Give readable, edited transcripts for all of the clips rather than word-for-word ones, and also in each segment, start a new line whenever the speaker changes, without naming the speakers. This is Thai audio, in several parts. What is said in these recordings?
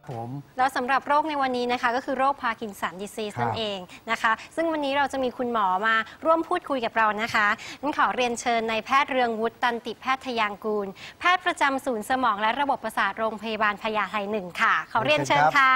ผม
แล้วสำหรับโรคในวันนี้นะคะก็คือโรคพาร์กินสันดิซีสนั่นเองนะคะซึ่งวันนี้เราจะมีคุณหมอมาร่วมพูดคุยกับเรานะคะงั้นขอเรียนเชิญนายแพทย์เรืองวุฒิตันติแพทยางกูลแพทย์ประจำศูนย์สมองและระบบประสาทโรงพยาบาลพญาไท1ค่ะขอเรียนเชิญค่ะ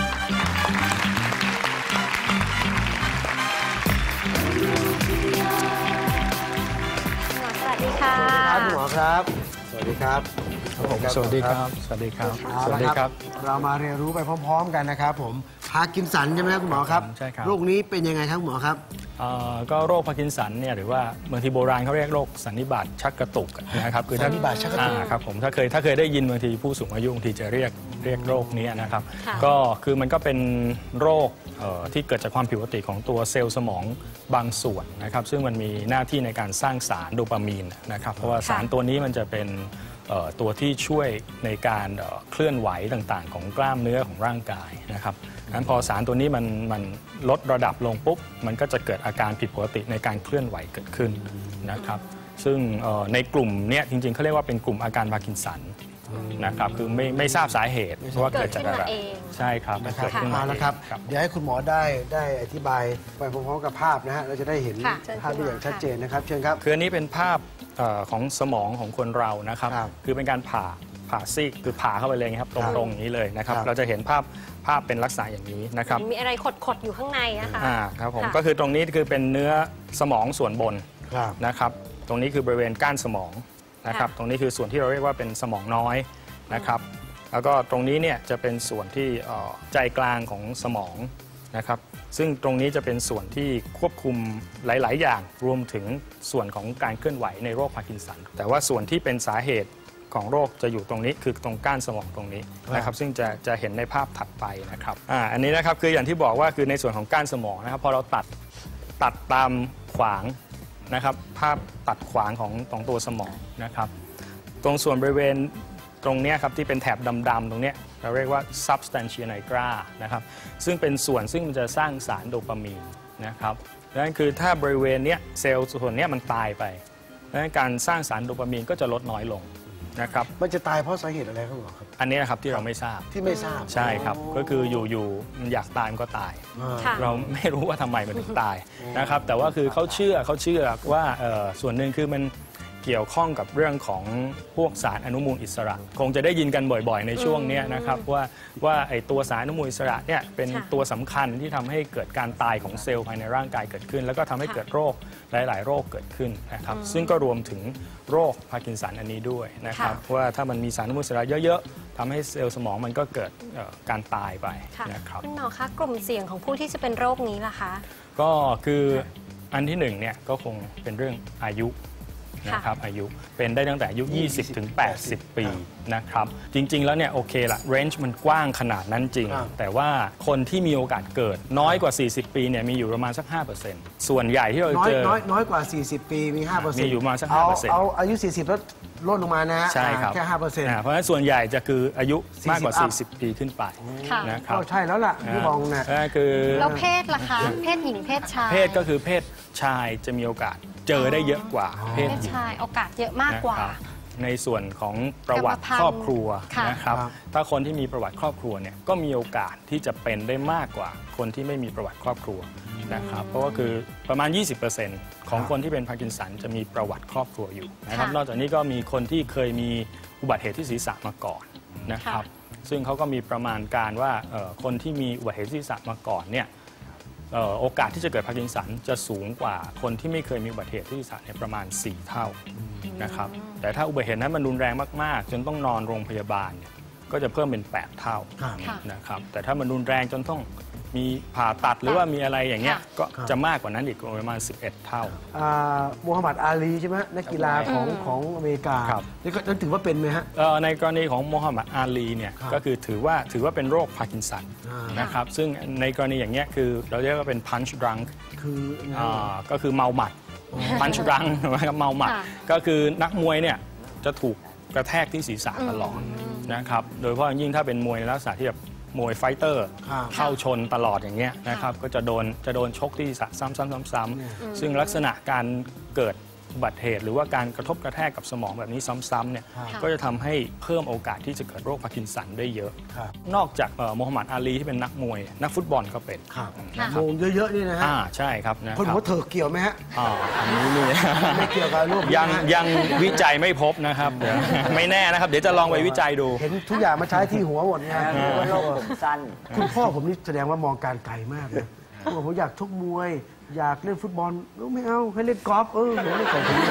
สวัสดีค่ะ
คุณหมอครับสวัสดีครับ
สวัสดีครับสวัสดีครับสวัสดีครับ
เรามาเรียนรู้ไปพร้อมๆกันนะครับผมพาร์กินสันใช่ไหมครับคุณหมอครับ
ใช่ครับ
โรคนี้เป็นยังไงครับคุณหมอครับ
ก็โรคพาร์กินสันเนี่ยหรือว่าบางทีโบราณเขาเรียกโรคสันนิบาตชักกระตุกนะครับ
คือสันนิบาตชักกระตุก
ครับผมถ้าเคยได้ยินบางทีผู้สูงอายุบางทีจะเรียกโรคนี้นะครับก็คือมันก็เป็นโรคที่เกิดจากความผิดปกติของตัวเซลล์สมองบางส่วนนะครับซึ่งมันมีหน้าที่ในการสร้างสารโดปามีนนะครับเพราะว่าสารตัวนี้มันจะเป็นตัวที่ช่วยในการเคลื่อนไหวต่างๆของกล้ามเนื้อของร่างกายนะครับงั้นพอสารตัวนี้มันลดระดับลงปุ๊บมันก็จะเกิดอาการผิดปกติในการเคลื่อนไหวเกิดขึ้นนะครับซึ่งในกลุ่มนี้จริงๆเขาเรียกว่าเป็นกลุ่มอาการพาร์กินสันนะครับคือไม่ทราบสาเหตุว่าเกิดจากอะไรใช่ครับ
เกิดขึ้นมาแล้วครับเดี๋ยวให้คุณหมอได้อธิบายไปพร้อมๆกับภาพนะฮะเราจะได้เห็นภาพได้อย่างชัดเจนนะครับเชิญครับ
คืออันนี้เป็นภาพของสมองของคนเรานะครับคือเป็นการผ่าซีกคือผ่าเข้าไปเลยครับตรงๆอย่างนี้เลยนะครับเราจะเห็นภาพเป็นลักษณะอย่างนี้นะครับ
มีอะไรขดอยู่ข้างในนะคะ
ครับผมก็คือตรงนี้คือเป็นเนื้อสมองส่วนบนนะครับตรงนี้คือบริเวณก้านสมองนะครับตรงนี้คือส่วนที่เราเรียกว่าเป็นสมองน้อยนะครับแล้วก็ตรงนี้เนี่ยจะเป็นส่วนที่ใจกลางของสมองนะครับซึ่งตรงนี้จะเป็นส่วนที่ควบคุมหลายๆอย่างรวมถึงส่วนของการเคลื่อนไหวในโรคพาร์กินสันแต่ว่าส่วนที่เป็นสาเหตุของโรคจะอยู่ตรงนี้คือตรงก้านสมองตรงนี้นะครับซึ่งจะเห็นในภาพถัดไปนะครับอันนี้นะครับคืออย่างที่บอกว่าคือในส่วนของก้านสมองนะครับพอเราตัดตามขวางนะครับภาพตัดขวางของตัวสมองนะครับตรงส่วนบริเวณตรงนี้ครับที่เป็นแถบดำๆตรงนี้เราเรียกว่า substantia nigra นะครับซึ่งเป็นส่วนซึ่งมันจะสร้างสารโดปามีนนะครับดังนั้นคือถ้าบริเวณนี้เซลล์ส่วนนี้มันตายไปดังนั้นการสร้างสารโดปามีนก็จะลดน้อยลงนะครับ
มันจะตายเพราะสาเหตุอะไรครับหมอครับ
อันนี้นะครับที่เราไม่ทราบใช่ครับก็คืออยู่มันอยากตายมันก็ตายเราไม่รู้ว่าทำไมมันถึงตายนะครับแต่ว่าคือเขาเชื่อว่าส่วนหนึ่งคือมันเกี่ยวข้องกับเรื่องของพวกสารอนุมูลอิสระคงจะได้ยินกันบ่อยๆในช่วงนี้นะครับว่าไอ้ตัวสารอนุมูลอิสระเนี่ยเป็นตัวสำคัญที่ทำให้เกิดการตายของเซลล์ภายในร่างกายเกิดขึ้นแล้วก็ทำให้เกิดโรคหลายๆโรคเกิดขึ้นนะครับซึ่งก็รวมถึงโรคพาร์กินสันอันนี้ด้วยนะครับว่าถ้ามันมีสารอนุมูลอิสระเยอะๆทำให้เซลล์สมองมันก็เกิดการตายไปนะครับ
คุณหมอคะกลุ่มเสี่ยงของผู้ที่จะเป็นโรคนี้ล่ะคะ
ก็คืออันที่หนึ่งเนี่ยก็คงเป็นเรื่องอายุนะครับอายุเป็นได้ตั้งแต่อายุ 20 ถึง 80 ปีนะครับจริงๆแล้วเนี่ยโอเคละเรนจ์มันกว้างขนาดนั้นจริงแต่ว่าคนที่มีโอกาสเกิดน้อยกว่า 40 ปีเนี่ยมีอยู่ประมาณสัก 5% ส่วนใหญ่ที่เราเจอ
น้อยกว่า 40 ปีมี 5%
มีอยู่ประมาณสัก 5%
เอาอายุ 40 แล้วลดลงมานะ
ใช่ครับ
แค่ 5%
เพราะฉะนั้นส่วนใหญ่จะคืออายุมากกว่า 40 ปีขึ้นไปนะครับ
ใช่แล้วล่ะที่มองนะ
คือ
แล้วเพศล่ะคะเพศหญิงเพศชาย
เพศก็คือเพศชายจะมีโอกาสเจอได้เยอะกว่าเพศหญิง
โอกาสเยอะมากกว่า
ในส่วนของประวัติครอบครัวนะครับถ้าคนที่มีประวัติครอบครัวเนี่ยก็มีโอกาสที่จะเป็นได้มากกว่าคนที่ไม่มีประวัติครอบครัวนะครับเพราะว่าคือประมาณ 20% ของคนที่เป็นพาร์กินสันจะมีประวัติครอบครัวอยู่นะครับนอกจากนี้ก็มีคนที่เคยมีอุบัติเหตุที่ศีรษะมาก่อนนะครับซึ่งเขาก็มีประมาณการว่าคนที่มีอุบัติเหตุที่ศีรษะมาก่อนเนี่ยโอกาสที่จะเกิดพาร์กินสันจะสูงกว่าคนที่ไม่เคยมีอุบัติเหตุที่ศีรษะเนี่ยประมาณ4 เท่านะครับแต่ถ้าอุบัติเหตุนั้นมันรุนแรงมากๆจนต้องนอนโรงพยาบาลเนี่ยก็จะเพิ่มเป็น8 เท่านะครับแต่ถ้ามันรุนแรงจนต้องมีผ่าตัดหรือว่ามีอะไรอย่างเงี้ยก็จะมากกว่านั้นอีกประมาณ11 เท่า
มูฮัมหมัดอาลีใช่ไหมนักกีฬาของอเมริกานี่ก็ถือว่าเป็นไหมฮะ
ในกรณีของมูฮัมหมัดอาลีเนี่ยก็คือถือว่าเป็นโรคพาร์กินสันนะครับซึ่งในกรณีอย่างเงี้ยคือเราเรียกว่าเป็น punch drunk ก็คือเมาหมัด punch drunk นะครับเมาหมัดก็คือนักมวยเนี่ยจะถูกกระแทกที่ศีรษะตลอดนะครับโดยเฉพาะยิ่งถ้าเป็นมวยในลักษณะที่แบบมวยไฟเตอร์เข้าชนตลอดอย่างเงี้ยนะครับก็จะโดนชกที่ศีรษะซ้ำๆซึ่งลักษณะการเกิดอุบัติเหตุหรือว่าการกระทบกระแทกกับสมองแบบนี้ซ้ำๆเนี่ยก็จะทำให้เพิ่มโอกาสที่จะเกิดโรคพาร์กินสันได้เยอะนอกจากโมฮัมหมัดอาลีที่เป็นนักมวยนักฟุตบอลก็เป็น
โมงเยอะๆนี่นะฮะ
ใช่ครับ
คนหัวเถิกเกี่ยวไหมฮะ
อันนี้นี่
ไม่เกี่ยวกับโรค
ยังวิจัยไม่พบนะครับไม่แน่นะครับเดี๋ยวจะลองไปวิจัยดู
เห็นทุกอย่างมาใช้ที่หัวหมดไง
โรคผมสั้น
คุณพ่อผมนี่แสดงว่ามองการไกลมากเลยผมอยากชกมวยอยากเล่นฟุตบอลไม่เอาให้เล่นกอล์ฟเดี๋ยวเล่นของผม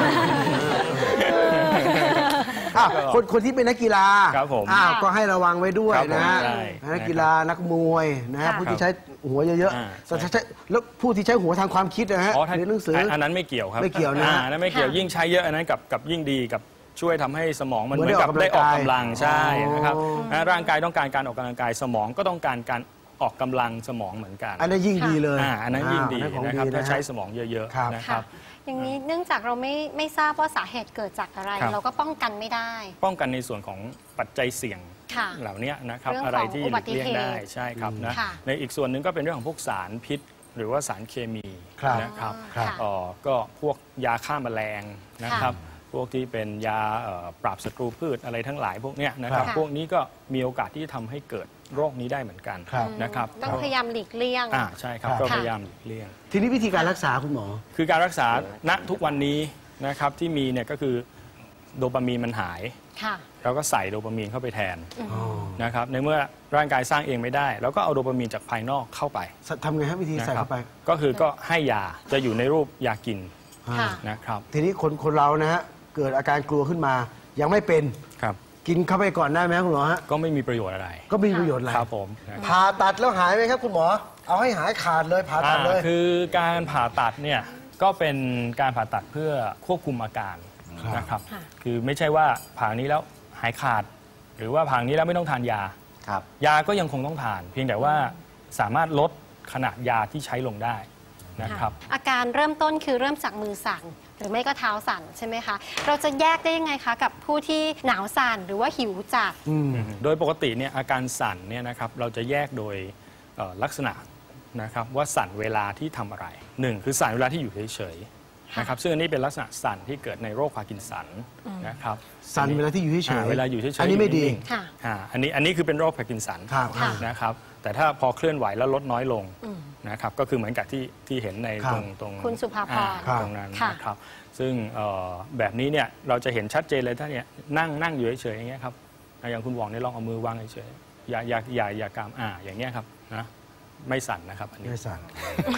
คนที่เป็นนักกีฬาก็ให้ระวังไว้ด้วยนะนักกีฬานักมวยนะผู้ที่ใช้หัวเยอะๆแล้วผู้ที่ใช้หัวทางความคิดนะฮะเรียนหนังสือ
อันนั้นไม่เกี่ยวครับ
ไม่เกี่ยวนะ
อันนั้นไม่เกี่ยวยิ่งใช้เยอะอันนั้นกับยิ่งดีกับช่วยทำให้สมองมันเหมือนกับได้ออกกำลังใช่นะครับร่างกายต้องการการออกกำลังกายสมองก็ต้องการการออกกำลังสมองเหมือนกัน
อันนั้นยิ่งดีเลย
อันนั้นยิ่งดีนะครับถ้าใช้สมองเยอะๆนะครับ
อย่างนี้เนื่องจากเราไม่ทราบว่าสาเหตุเกิดจากอะไรเราก็ป้องกันไม่ได้
ป้องกันในส่วนของปัจจัยเสี่ยงเหล่านี้นะครับอะไรที่หลีกเลี่ยงได้ใช่ครับนะในอีกส่วนหนึ่งก็เป็นเรื่องของพวกสารพิษหรือว่าสารเคมีนะครับก็พวกยาฆ่าแมลงนะครับพวกที่เป็นยาปราบศัตรูพืชอะไรทั้งหลายพวกนี้นะครับพวกนี้ก็มีโอกาสที่จะทำให้เกิดโรคนี้ได้เหมือนกันนะครับ
ต้องพยายามหลีกเลี่ยง
ใช่ครับก็พยายามหลีกเลี่ยง
ทีนี้วิธีการรักษาคุณหมอ
คือการรักษาณทุกวันนี้นะครับที่มีเนี่ยก็คือโดปามีนมันหายเราก็ใส่โดปามีนเข้าไปแทนนะครับในเมื่อร่างกายสร้างเองไม่ได้เราก็เอาโดปามีนจากภายนอกเข้าไป
ทำไงครับวิธีใส่เข้าไป
ก็คือก็ให้ยาจะอยู่ในรูปยากินนะครับ
ทีนี้คนเรานะฮะเกิดอาการกลัวขึ้นมายังไม่เป็นกินเข้าไปก่อนได้ไหมคุณหมอฮะ
ก็ไม่มีประโยชน์อะไร
ก็ไม่มีประโยชน์อะไร
ครับผม
ผ่าตัดแล้วหายไหมครับคุณหมอเอาให้หายขาดเลยผ่าตัดเลย
คือการผ่าตัดเนี่ยก็เป็นการผ่าตัดเพื่อควบคุมอาการนะครับคือไม่ใช่ว่าผ่านี้แล้วหายขาดหรือว่าผ่านี้แล้วไม่ต้องทานยายาก็ยังคงต้องทานเพียงแต่ว่าสามารถลดขนาดยาที่ใช้ลงได้นะครับ
อาการเริ่มต้นคือเริ่มจากมือสั่นหรือไม่ก็เท้าสั่นใช่ไหมคะเราจะแยกได้ยังไงคะกับผู้ที่หนาวสั่นหรือว่าหิวจัด
โดยปกติเนี่ยอาการสั่นเนี่ยนะครับเราจะแยกโดยลักษณะนะครับว่าสั่นเวลาที่ทำอะไร1คือสั่นเวลาที่อยู่เฉยๆนะครับซึ่งอันนี้เป็นลักษณะสั่นที่เกิดในโรคพาร์กินสันนะครับ
สั่นเวลาที่อยู่เฉย
ๆเวลาอยู่เฉยๆ
อันนี้ไม่ดี
อันนี้คือเป็นโรคพาร์กินสันนะครับแต่ถ้าพอเคลื่อนไหวแล้วลดน้อยลงนะครับก็คือเหมือนกับที่เห็นในตรง
คุณสุภาพร
ตรงนั้นนะครับซึ่งแบบนี้เนี่ยเราจะเห็นชัดเจนเลยถ้าเนี่ยนั่งอยู่เฉยๆอย่างเงี้ยครับอย่างคุณหว่องเนี่ยลองเอามือวางเฉยๆอย่ากำอย่างเงี้ยครับนะไม่สั่นนะครับอันนี้
ไม่สั่น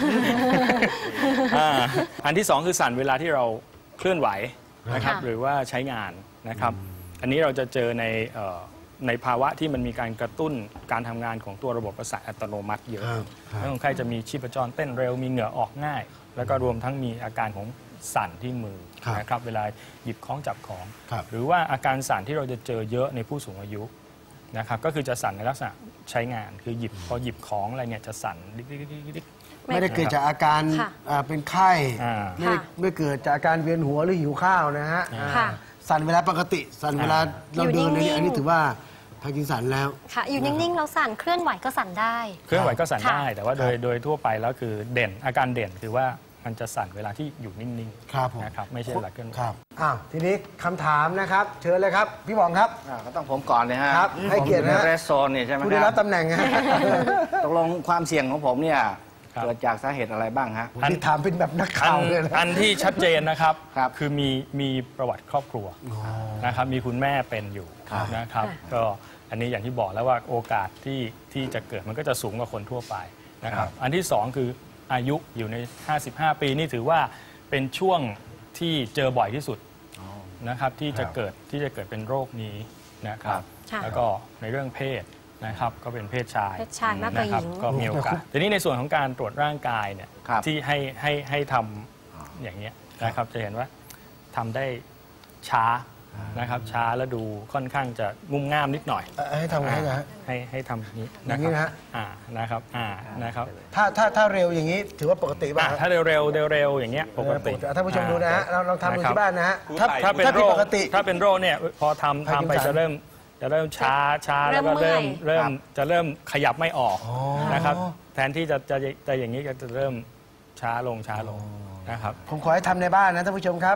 อันที่2คือสั่นเวลาที่เราเคลื่อนไหวนะครับหรือว่าใช้งานนะครับอันนี้เราจะเจอในภาวะที่มันมีการกระตุ้นการทำงานของตัวระบบประสาทอัตโนมัติเยอะแล้วคนไข้จะมีชีพจรเต้นเร็วมีเหงื่อออกง่ายแล้วก็รวมทั้งมีอาการของสั่นที่มือนะครับเวลาหยิบของจับของหรือว่าอาการสั่นที่เราจะเจอเยอะในผู้สูงอายุนะครับก็คือจะสั่นในลักษณะใช้งานคือพอหยิบของอะไรเนี่ยจะสั่นดิ๊ก
ไม่ได้เกิดจากอาการเป็นไข้ไม่เกิดจากอาการเวียนหัวหรือหิวข้าวนะฮะสั่นเวลาปกติสั่นเวลาเราเดินอันนี้ถือว่าพาร์กินสันแล้ว
ค่ะอยู่นิ่งๆเราสั่นเคลื่อนไหวก็สั่นได้
เคลื่อนไหวก็สั่นได้แต่ว่าโดยทั่วไปแล้วคืออาการเด่นคือว่ามันจะสั่นเวลาที่อยู่นิ่งๆนะครับไม่ใช่เวลาเคลื่อนไหว
ทีนี้คำถามนะครับเชิญเลยครับพี่หว่องครับ
ก็ต้องผมก่อนเลยฮะ
ให้เกียรตินะ
เรสโซนเนี่ยใช่ไหมครับ
ผู้ได้รับตำแหน่ง
ตกลงความเสี่ยงของผมเนี่ยเกิดจากสาเหตุอะไรบ้างฮะ
ที่ถามเป็นแบบนักข่าวเลย
อันที่ชัดเจนนะครับคือมีประวัติครอบครัวนะครับมีคุณแม่เป็นอยู่นะครับก็อันนี้อย่างที่บอกแล้วว่าโอกาสที่จะเกิดมันก็จะสูงกว่าคนทั่วไปนะครับอันที่2คืออายุอยู่ใน55ปีนี่ถือว่าเป็นช่วงที่เจอบ่อยที่สุดนะครับที่จะเกิดเป็นโรคนี้นะครับแล้วก็ในเรื่องเพศนะครับก็เป็นเพศชาย
นะครับ
ก็มีโอกาสทีนี้ในส่วนของการตรวจร่างกายเนี่ยที่ให้ทำอย่างนี้นะครับจะเห็นว่าทำได้ช้านะครับช้าแล้วดูค่อนข้างจะงุ่มง่ามนิดหน่อย
ให้ทำไงนะ
ให้ทำนี้
นะครับ
นะครับ
ถ้าเร็วอย่างนี้ถือว่าปกติป่ะ
ถ้าเร็วอย่างเงี้ยปกติ
ท่านผู้ชมดูนะฮะลองทำดูที่บ้านนะฮะ
ถ้าเป็นโรคเนี่ยพอทำไปจะเริ่มช้าแล้วก็จะเริ่มขยับไม่ออกนะครับแทนที่จะอย่างนี้ก็จะเริ่มช้าลงนะครับ
ผมขอให้ทำในบ้านนะท่านผู้ชมครับ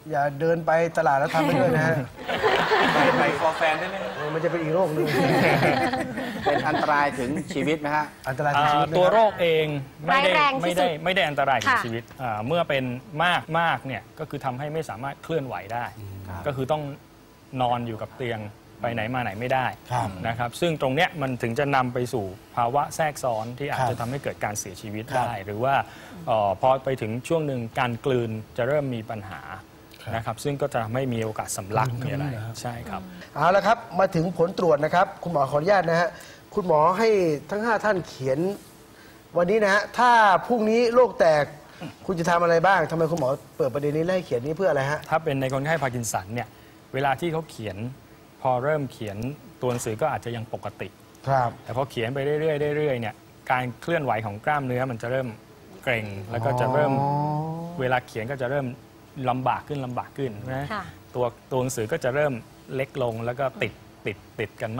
อย่าเดินไปตลาดแล้วทำไปด้วยนะฮะ
ไปฟอร์แฟนได้ไหม
มันจะเป็นอีกโรคหนึ่ง
เป็นอันตรายถึงชีวิตไหมฮะ
อันตรายถึงชีวิตไหม
ตัวโรคเองไม่ได้
ร้ายแรงที่สุด
ไม่ได้อันตรายถึง
ค่ะ
ชีวิตเมื่อเป็นมากเนี่ยก็คือทำให้ไม่สามารถเคลื่อนไหวได้ ก็คือต้องนอนอยู่กับเตียงไปไหนมาไหนไม่ได้
ครับ
นะครับซึ่งตรงเนี้ยมันถึงจะนำไปสู่ภาวะแทรกซ้อนที่อาจจะทำให้เกิดการเสียชีวิตได้ หรือว่าพอไปถึงช่วงหนึ่งการกลืนจะเริ่มมีปัญหานะครับซึ่งก็จะทำให้มีโอกาสสำลักมีอะไรใช่ครับ
เอาละครับมาถึงผลตรวจนะครับคุณหมอขออนุญาตนะฮะคุณหมอให้ทั้ง 5 ท่านเขียนวันนี้นะฮะถ้าพรุ่งนี้โรคแตกคุณจะทำอะไรบ้างทำไมคุณหมอเปิดประเด็นนี้และให้เขียนนี้เพื่ออะไรฮะ
ถ้าเป็นในคนไข้พาร์กินสันเนี่ยเวลาที่เขาเขียนพอเริ่มเขียนตัวหนังสือก็อาจจะยังปกติ
ครับ
แต่พอเขียนไปเรื่อยๆเรื่อยๆเนี่ยการเคลื่อนไหวของกล้ามเนื้อมันจะเริ่มเกร็งแล้วก็จะเริ่มเวลาเขียนก็จะเริ่มลำบากขึ้นนะ
ค่ะ
ตัวหนังสือก็จะเริ่มเล็กลงแล้วก็ติดกัน